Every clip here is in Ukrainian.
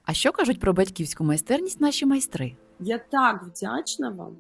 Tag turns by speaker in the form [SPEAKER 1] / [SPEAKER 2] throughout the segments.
[SPEAKER 1] А що кажуть про батьківську майстерність наші майстри?
[SPEAKER 2] Я так вдячна вам.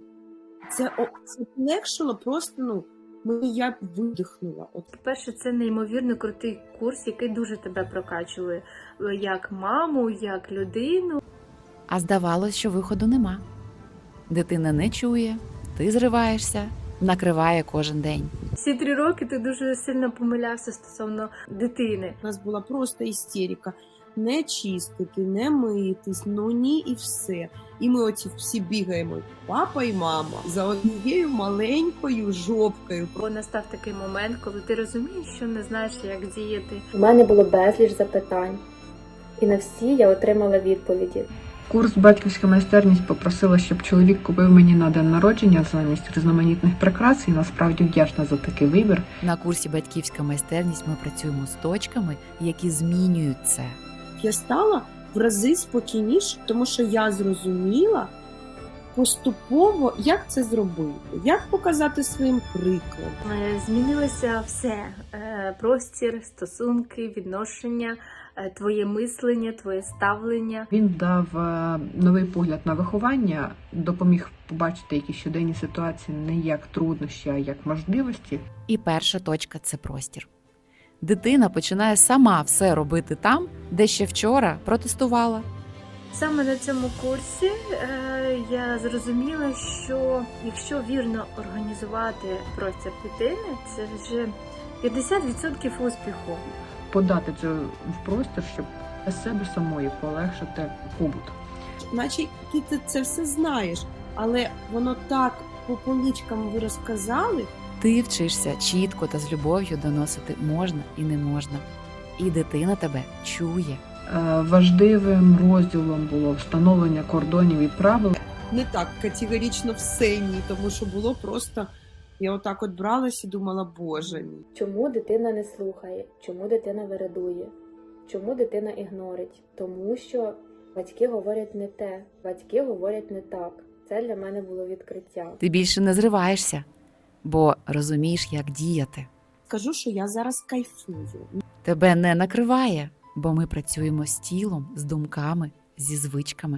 [SPEAKER 2] Це полегшило просто, я видихнула.
[SPEAKER 3] По-перше, це неймовірно крутий курс, який дуже тебе прокачує як маму, як людину.
[SPEAKER 1] А здавалось, що виходу нема. Дитина не чує, ти зриваєшся, накриває кожен день.
[SPEAKER 3] Всі 3 роки ти дуже сильно помилявся стосовно дитини.
[SPEAKER 2] У нас була просто істерика. Не чистити, не митись, ні і все. І ми оці всі бігаємо, папа і мама, за однією маленькою жопкою.
[SPEAKER 3] Бо настав такий момент, коли ти розумієш, що не знаєш, як діяти.
[SPEAKER 4] У мене було безліч запитань, і на всі я отримала відповіді.
[SPEAKER 5] Курс «Батьківська майстерність» попросила, щоб чоловік купив мені на день народження замість різноманітних прикрас, і насправді вдячна за такий вибір.
[SPEAKER 1] На курсі «Батьківська майстерність» ми працюємо з точками, які змінюють це.
[SPEAKER 2] Я стала в рази спокійніше, тому що я зрозуміла поступово, як це зробити, як показати своїм прикладом.
[SPEAKER 3] Змінилося все. Простір, стосунки, відношення, твоє мислення, твоє ставлення.
[SPEAKER 5] Він дав новий погляд на виховання, допоміг побачити якісь щоденні ситуації не як труднощі, а як можливості.
[SPEAKER 1] І перша точка – це простір. Дитина починає сама все робити там, де ще вчора протестувала.
[SPEAKER 3] Саме на цьому курсі я зрозуміла, що якщо вірно організувати простір дитини, це вже 50% успіху.
[SPEAKER 5] Подати це в простір, щоб для себе самої полегшити побут.
[SPEAKER 2] Наче ти це все знаєш, але воно так по поличкам ви розказали.
[SPEAKER 1] Ти вчишся чітко та з любов'ю доносити можна і не можна. І дитина тебе чує.
[SPEAKER 5] Важливим розділом було встановлення кордонів і правил.
[SPEAKER 2] Не так категорично все ні, тому що було просто, я отак от бралась і думала, боже мій.
[SPEAKER 4] Чому дитина не слухає? Чому дитина вирадує? Чому дитина ігнорить? Тому що батьки говорять не те, батьки говорять не так. Це для мене було відкриття.
[SPEAKER 1] Ти більше не зриваєшся, бо розумієш, як діяти.
[SPEAKER 2] Скажу, що я зараз кайфую.
[SPEAKER 1] Тебе не накриває, бо ми працюємо з тілом, з думками, зі звичками.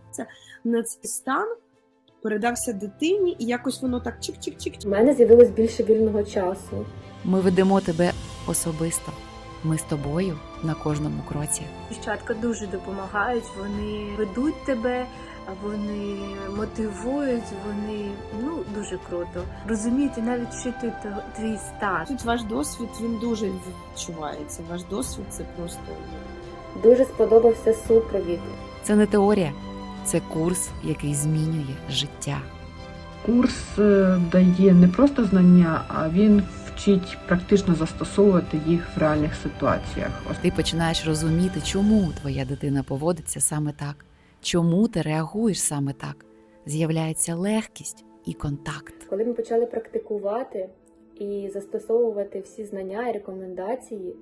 [SPEAKER 2] На цей стан передався дитині, і якось воно так чик-чик-чик.
[SPEAKER 4] У мене з'явилось більше вільного часу.
[SPEAKER 1] Ми ведемо тебе особисто. Ми з тобою на кожному кроці.
[SPEAKER 3] Дівчатка дуже допомагають, вони ведуть тебе, вони мотивують, вони дуже круто. Розуміють і навіть вчитують твій стан.
[SPEAKER 2] Тут ваш досвід, він дуже відчувається. Ваш досвід це просто...
[SPEAKER 4] Дуже сподобався супровід.
[SPEAKER 1] Це не теорія, це курс, який змінює життя.
[SPEAKER 5] Курс дає не просто знання, а він вчить практично застосовувати їх в реальних ситуаціях.
[SPEAKER 1] Ти починаєш розуміти, чому твоя дитина поводиться саме так, чому ти реагуєш саме так. З'являється легкість і контакт.
[SPEAKER 4] Коли ми почали практикувати і застосовувати всі знання і рекомендації,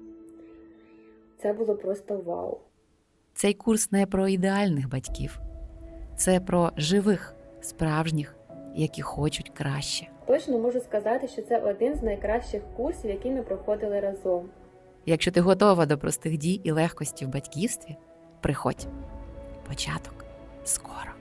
[SPEAKER 4] це було просто вау.
[SPEAKER 1] Цей курс не про ідеальних батьків. Це про живих, справжніх, які хочуть краще.
[SPEAKER 4] Точно можу сказати, що це один з найкращих курсів, які ми проходили разом.
[SPEAKER 1] Якщо ти готова до простих дій і легкості в батьківстві, приходь. Початок скоро.